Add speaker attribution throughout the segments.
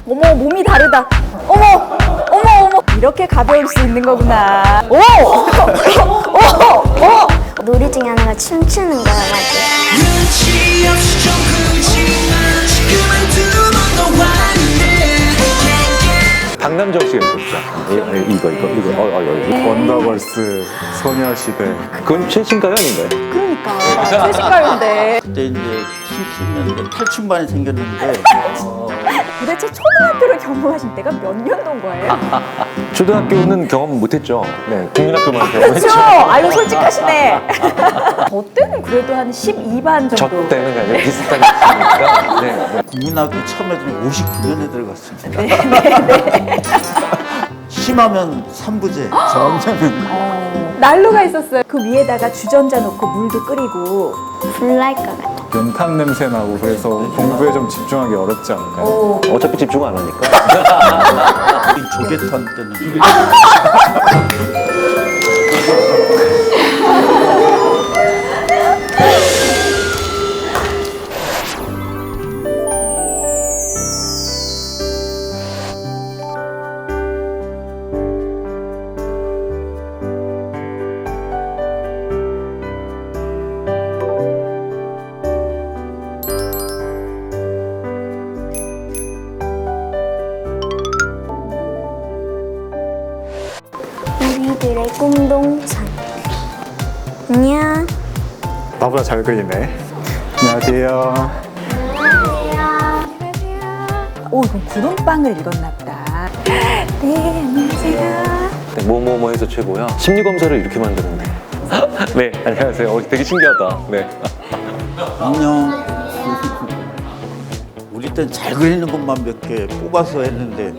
Speaker 1: 어머, 몸이 다르다. 어머, 어머, 어머. 이렇게 가벼울 수 있는 거구나. 오!
Speaker 2: 놀이 중에 하나가 춤추는 거여가지고.
Speaker 3: 눈치 없이 좀 굴지만 그만두면 너 왔네.
Speaker 4: 박남정 씨가 있었죠. 이거.
Speaker 5: 원더걸스, 소녀시대.
Speaker 4: 그건 최신가요, 아닌가요?
Speaker 1: 그러니까. 최신가요인데.
Speaker 6: 그때 이제 춤추는데 탈춤반이 생겼는데
Speaker 1: 도대체 초등학교를 경험하신 때가 몇 년도인 거예요?
Speaker 4: 초등학교는 경험 못했죠. 네, 국민학교만
Speaker 1: 그렇죠.
Speaker 4: 경험했죠.
Speaker 1: 아유, 솔직하시네. 저 때는 그래도 한 12반
Speaker 4: 저
Speaker 1: 정도.
Speaker 4: 때는 아니라 비슷하게 했으니까. 네.
Speaker 6: 국민학교 처음에 좀 59년에 들어갔습니다. 심하면 3부제, 정하면
Speaker 1: 난로가 있었어요. 그 위에다가 주전자 놓고 물도 끓이고.
Speaker 2: 불날 것 같아.
Speaker 5: 연탄 냄새 나고 그래서 공부에 좀 집중하기 어렵지 않을까요?
Speaker 4: 어차피 집중 안 하니까.
Speaker 6: 조개탄 때는
Speaker 2: 우리들의 공동체. 안녕.
Speaker 5: 나보다 잘 그리네. 안녕하세요.
Speaker 1: 오, 이건 구름빵을 읽었나 보다. 네, 안녕하세요.
Speaker 4: 네, 뭐뭐뭐해서 최고야. 심리 검사를 이렇게 만드는데. 네, 안녕하세요. 되게 신기하다. 네.
Speaker 6: 안녕. 우리 땐 잘 그리는 것만 몇 개 뽑아서 했는데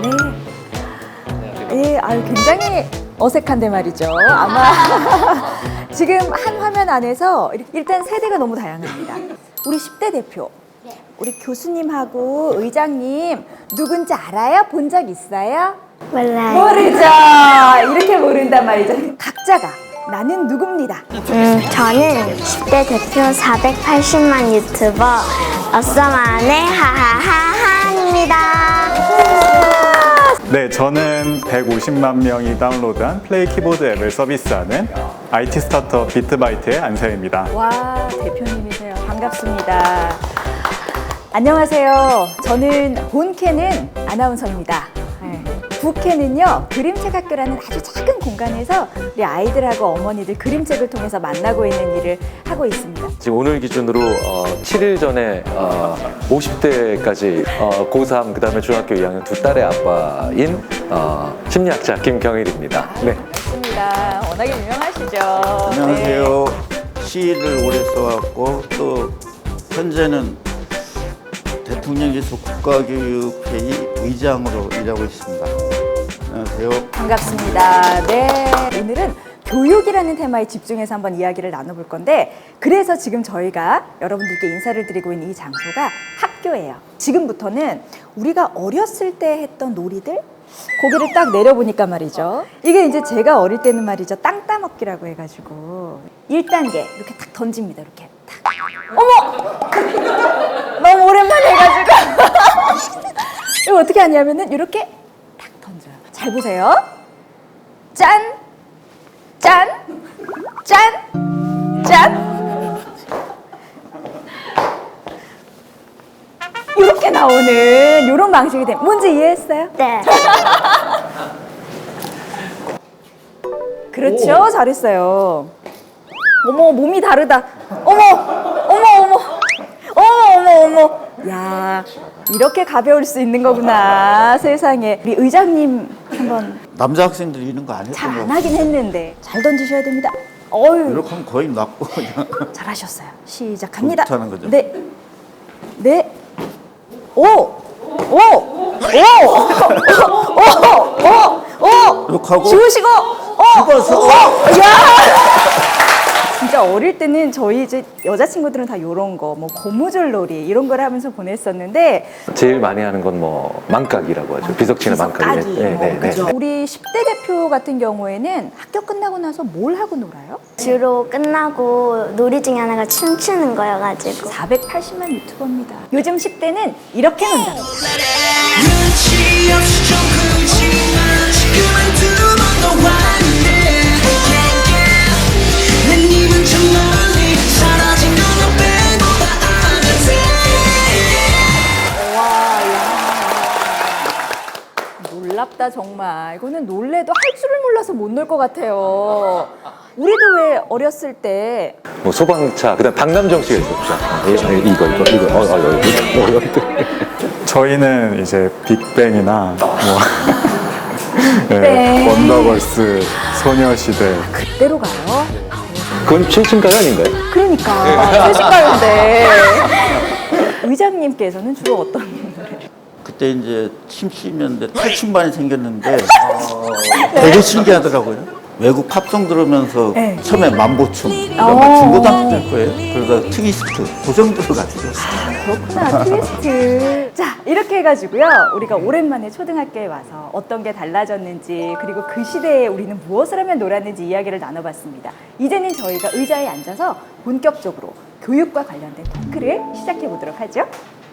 Speaker 1: 네, 아유, 굉장히 어색한데 말이죠. 아마 지금 한 화면 안에서 일단 세대가 너무 다양합니다. 우리 10대 대표, 우리 교수님하고 의장님 누군지 알아요? 본 적 있어요?
Speaker 2: 몰라요.
Speaker 1: 모르죠. 이렇게 모른단 말이죠. 각자가 나는 누굽니다.
Speaker 2: 저는 10대 대표 480만 유튜버 어썸안의 하하하하입니다.
Speaker 5: 네, 저는 150만 명이 다운로드한 플레이 키보드 앱을 서비스하는 IT 스타트업 비트바이트의 안세입니다.
Speaker 1: 와, 대표님이세요. 반갑습니다. 안녕하세요. 저는 본캐는 아나운서입니다. 네. 부캐는요, 그림책 학교라는 아주 작은 공간에서 우리 아이들하고 어머니들 그림책을 통해서 만나고 있는 일을 하고 있습니다.
Speaker 4: 지금 오늘 기준으로 7일 전에 50대까지 고3 그다음에 중학교 2학년 두 딸의 아빠인 심리학자 김경일입니다. 네.
Speaker 1: 반갑습니다. 워낙에 유명하시죠.
Speaker 6: 안녕하세요. 시를 오래 써왔고 또 현재는 대통령께서 국가교육회의 의장으로 일하고 있습니다. 안녕하세요.
Speaker 1: 네, 반갑습니다. 네, 오늘은 교육이라는 테마에 집중해서 한번 이야기를 나눠볼 건데, 그래서 지금 저희가 여러분들께 인사를 드리고 있는 이 장소가 학교예요. 지금부터는 우리가 어렸을 때 했던 놀이들, 고개를 딱 내려보니까 말이죠. 이게 이제 제가 어릴 때는 말이죠, 땅 따먹기라고 해가지고 1단계 이렇게 탁 던집니다. 이렇게 탁. 어머! 너무 오랜만에 해가지고 이거 어떻게 하냐면은 이렇게 탁 던져요. 잘 보세요. 짠! 짠! 짠! 짠! 이렇게 나오는 이런 방식이 돼. 뭔지 이해했어요?
Speaker 2: 네.
Speaker 1: 그렇죠. 잘했어요. 어머, 몸이 다르다. 어머, 어머, 어머, 어머, 어머, 어머. 야, 이렇게 가벼울 수 있는 거구나. 세상에. 우리 의장님 한번
Speaker 6: 남자 학생들이 이런 거 안
Speaker 1: 잘
Speaker 6: 했던
Speaker 1: 안
Speaker 6: 거
Speaker 1: 하긴 했는데 잘 던지셔야 됩니다. 어유,
Speaker 6: 이렇게 하면 거의 낫고 그냥
Speaker 1: 잘하셨어요. 시작합니다.
Speaker 6: 저부터 하는 거죠?
Speaker 1: 네, 네, 오, 오, 오, 오.
Speaker 6: 이렇게 하고
Speaker 1: 지우시고,
Speaker 6: 집어서
Speaker 1: 야! 진짜 어릴 때는 저희 이제 여자친구들은 다 요런 거, 뭐 고무줄놀이 이런 걸 하면서 보냈었는데,
Speaker 4: 제일 많이 하는 건 뭐 망각이라고 하죠. 비석치는 망각.
Speaker 1: 그죠? 우리 10대 대표 같은 경우에는 학교 끝나고 나서 뭘 하고 놀아요?
Speaker 2: 주로 끝나고 놀이 중에 하나가 춤추는 거여가지고.
Speaker 1: 480만 유튜버입니다. 요즘 10대는 이렇게 논답니다.
Speaker 3: Let it 끝이 없이 좀 그렇지만 지금은 두 번 더 왔는데 내 님은 저 멀리 사라진 너만 빼고 다 아는데
Speaker 1: 놀랍다 정말. 이거는 놀래도 할 줄을 몰라서 못 놀 것 같아요. 우리도 왜 어렸을 때
Speaker 4: 뭐 소방차, 그다음 박남정 씨가 있었죠. 이거.
Speaker 5: 저희는 이제 빅뱅이나 뭐
Speaker 1: 빅뱅.
Speaker 5: 네, 원더걸스, 소녀시대.
Speaker 1: 그때로 가요?
Speaker 4: 그건 최신가요 아닌가요?
Speaker 1: 그러니까 최신가요인데 의장님께서는 주로 어떤 노래?
Speaker 6: 그때 이제 70년대 탈춤반이 생겼는데 되게 신기하더라고요. 외국 팝송 들으면서
Speaker 1: 네.
Speaker 6: 처음에 만보춤, 그러니까 중고등학교 때 거예요. 그러다 트위스트, 그 정도로 갔어요.
Speaker 1: 그렇구나, 트위스트. 자, 이렇게 해가지고요. 우리가 오랜만에 초등학교에 와서 어떤 게 달라졌는지, 그리고 그 시대에 우리는 무엇을 하면 놀았는지 이야기를 나눠봤습니다. 이제는 저희가 의자에 앉아서 본격적으로 교육과 관련된 토크를 시작해 보도록 하죠.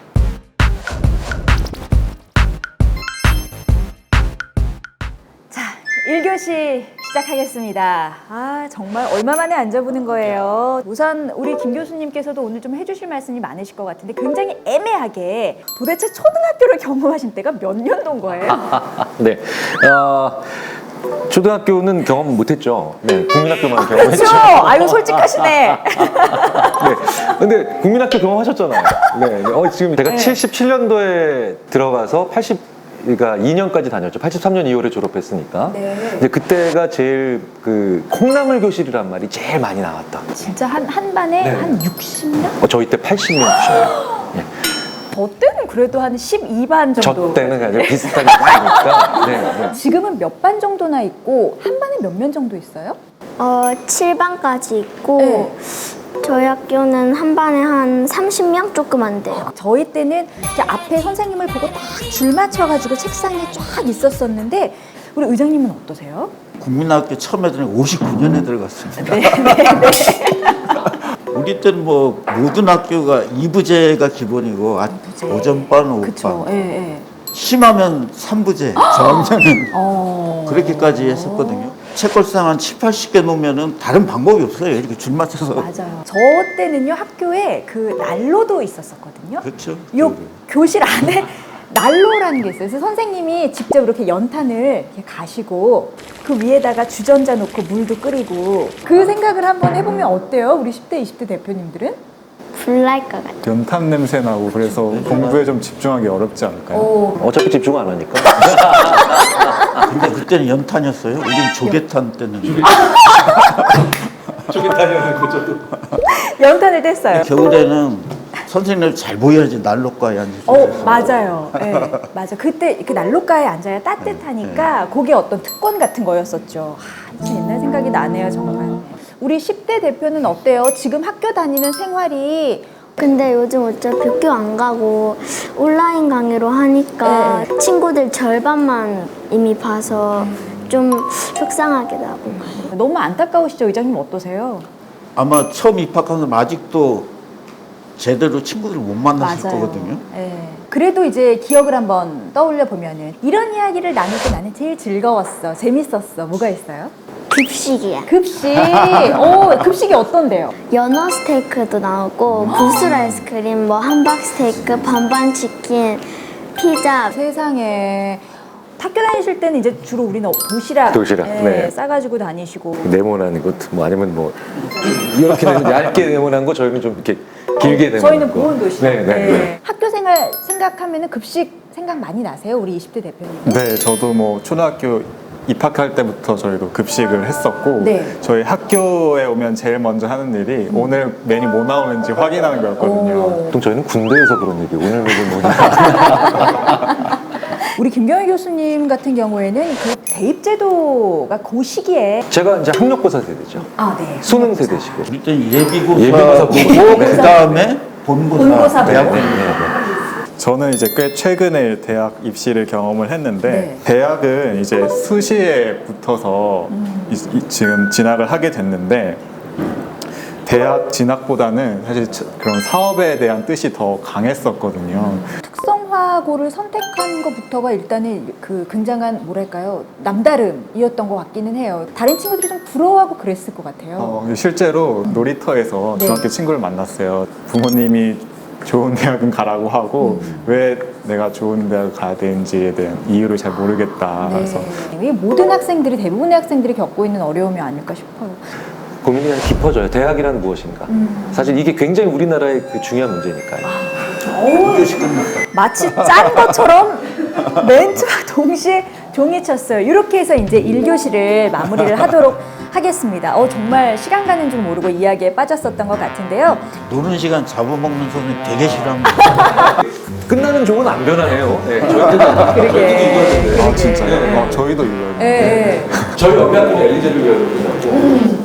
Speaker 1: 자, 1교시 시작하겠습니다. 아, 정말 얼마 만에 앉아보는 거예요. 우선 우리 김 교수님께서도 오늘 좀 해주실 말씀이 많으실 것 같은데 굉장히 애매하게 도대체 초등학교를 경험하신 때가 몇 년도인 거예요?
Speaker 4: 네. 초등학교는 경험 못했죠. 네, 국민학교만 경험했죠.
Speaker 1: 그렇죠. 아유, 솔직하시네.
Speaker 4: 네. 근데 국민학교 경험하셨잖아요. 네. 네. 지금 제가
Speaker 1: 네.
Speaker 4: 77년도에 들어가서 그러니까 2년까지 다녔죠. 83년 2월에 졸업했으니까.
Speaker 1: 네.
Speaker 4: 근데 그때가 제일 그 콩나물 교실이란 말이 제일 많이 나왔다.
Speaker 1: 진짜 한 반에
Speaker 4: 네.
Speaker 1: 한 60명?
Speaker 4: 저희 때 80명. 네.
Speaker 1: 저 때는 그래도 한 12반 정도.
Speaker 4: 저 때는 그냥 비슷한 게 많으니까. 네. 네.
Speaker 1: 지금은 몇 반 정도나 있고 한 반에 몇 명 정도 있어요?
Speaker 2: 7반까지 있고
Speaker 1: 네.
Speaker 2: 저희 학교는 한 반에 한 30명 조금 안 돼요.
Speaker 1: 저희 때는 이렇게 앞에 선생님을 보고 딱 줄 맞춰가지고 책상에 쫙 있었었는데 우리 의장님은 어떠세요?
Speaker 6: 국민학교 처음 애들은 59년에 들어갔습니다. 우리 때는 뭐 모든 학교가 2부제가 기본이고 오전반, 오후반.
Speaker 1: 그쵸. 예, 예.
Speaker 6: 심하면 3부제, 저학년은
Speaker 1: 어.
Speaker 6: 그렇게까지 했었거든요. 책걸상 한 7, 80개 놓으면은 다른 방법이 없어요. 이렇게 줄 맞춰서.
Speaker 1: 맞아요. 저 때는요 학교에 그 난로도 있었었거든요.
Speaker 6: 그렇죠.
Speaker 1: 요 교실 안에 난로라는 게 있어요. 그래서 선생님이 직접 이렇게 연탄을 이렇게 가시고 그 위에다가 주전자 놓고 물도 끓이고 그 생각을 한번 해보면 어때요? 우리 10대, 20대 대표님들은?
Speaker 2: 불날 것 같아요.
Speaker 5: 연탄 냄새 나고 그래서 공부에 좀 집중하기 어렵지 않을까요?
Speaker 4: 어차피 집중 안 하니까.
Speaker 6: 근데 그때는 연탄이었어요. 우린 조개탄 때는.
Speaker 1: 연탄을 뗐어요.
Speaker 6: 겨울에는 선생님들 잘 보여야지 난로가에 앉으셔서.
Speaker 1: 맞아요. 네, 맞아. 그때 그 난로가에 앉아야 따뜻하니까 그게 어떤 특권 같은 거였었죠. 진짜 옛날 생각이 나네요, 정말. 우리 10대 대표는 어때요? 지금 학교 다니는 생활이
Speaker 2: 근데 요즘 어차피 학교 안 가고 온라인 강의로 하니까 친구들 절반만 이미 봐서 좀 속상하기도 하고.
Speaker 1: 너무 안타까우시죠? 의장님 어떠세요?
Speaker 6: 아마 처음 입학한 사람 아직도 제대로 친구들을 못 만났을 거거든요.
Speaker 1: 네. 그래도 이제 기억을 한번 떠올려 보면은 이런 이야기를 나눌 때 나는 제일 즐거웠어, 재밌었어. 뭐가 있어요?
Speaker 2: 급식이야.
Speaker 1: 급식. 급식이 어떤데요?
Speaker 2: 연어 스테이크도 나오고 구슬 아이스크림, 뭐 함박 스테이크, 반반 치킨, 피자.
Speaker 1: 세상에. 학교 다니실 때는 이제 주로 우리는 도시락,
Speaker 4: 네.
Speaker 1: 싸가지고 다니시고.
Speaker 4: 네모난 것, 뭐 아니면 뭐 이렇게 얇게 네모난 거 저희는 좀 이렇게 길게 네모난
Speaker 1: 저희는
Speaker 4: 거.
Speaker 1: 보온 도시락.
Speaker 4: 네, 네, 네.
Speaker 1: 학교 생활 생각하면은 급식 생각 많이 나세요? 우리 20대 대표님.
Speaker 5: 네, 저도 뭐 초등학교 입학할 때부터 저희도 급식을 했었고
Speaker 1: 네.
Speaker 5: 저희 학교에 오면 제일 먼저 하는 일이 오늘 메뉴 뭐 나오는지 확인하는 거였거든요.
Speaker 4: 보통 저희는 군대에서 그런 얘기 오늘 메뉴 뭐냐.
Speaker 1: 우리 김경희 교수님 같은 경우에는 그 대입 제도가 그 시기에
Speaker 4: 제가 이제 학력고사 세대죠.
Speaker 1: 네.
Speaker 4: 수능 세대시고.
Speaker 6: 우리 때는 예비고사
Speaker 4: 예비고사
Speaker 6: 보고
Speaker 4: 보고,
Speaker 6: 그 다음에 본고사,
Speaker 1: 본고사
Speaker 6: 대학
Speaker 1: 보고.
Speaker 5: 저는 이제 꽤 최근에 대학 입시를 경험을 했는데
Speaker 1: 네.
Speaker 5: 대학은 이제 수시에 붙어서 지금 진학을 하게 됐는데 대학 진학보다는 사실 그런 사업에 대한 뜻이 더 강했었거든요.
Speaker 1: 특성화고를 선택한 것부터가 일단은 그 굉장한 뭐랄까요 남다름이었던 것 같기는 해요. 다른 친구들이 좀 부러워하고 그랬을 것 같아요.
Speaker 5: 실제로 놀이터에서
Speaker 1: 네.
Speaker 5: 중학교 친구를 만났어요. 부모님이 좋은 대학은 가라고 하고 왜 내가 좋은 대학을 가야 되는지에 대한 이유를 잘 모르겠다. 그래서
Speaker 1: 이게 모든 학생들이 대부분의 학생들이 겪고 있는 어려움이 아닐까 싶어요.
Speaker 4: 고민이 그냥 깊어져요. 대학이란 무엇인가? 사실 이게 굉장히 우리나라의 그 중요한 문제니까요.
Speaker 1: 마치 짠 것처럼 멘트와 동시에 종이 쳤어요. 이렇게 해서 이제 1교시를 마무리를 하도록 하겠습니다. 정말 시간 가는 줄 모르고 이야기에 빠졌었던 것 같은데요.
Speaker 6: 노는 시간 잡아먹는 소리 되게 싫어합니다.
Speaker 4: 끝나는 종은 안 변하네요. 네, 저희도
Speaker 1: 그러게.
Speaker 5: 진짜요? 저희도 이거요.
Speaker 1: 네.
Speaker 4: 저희 연대학교는 엘리제를 배우고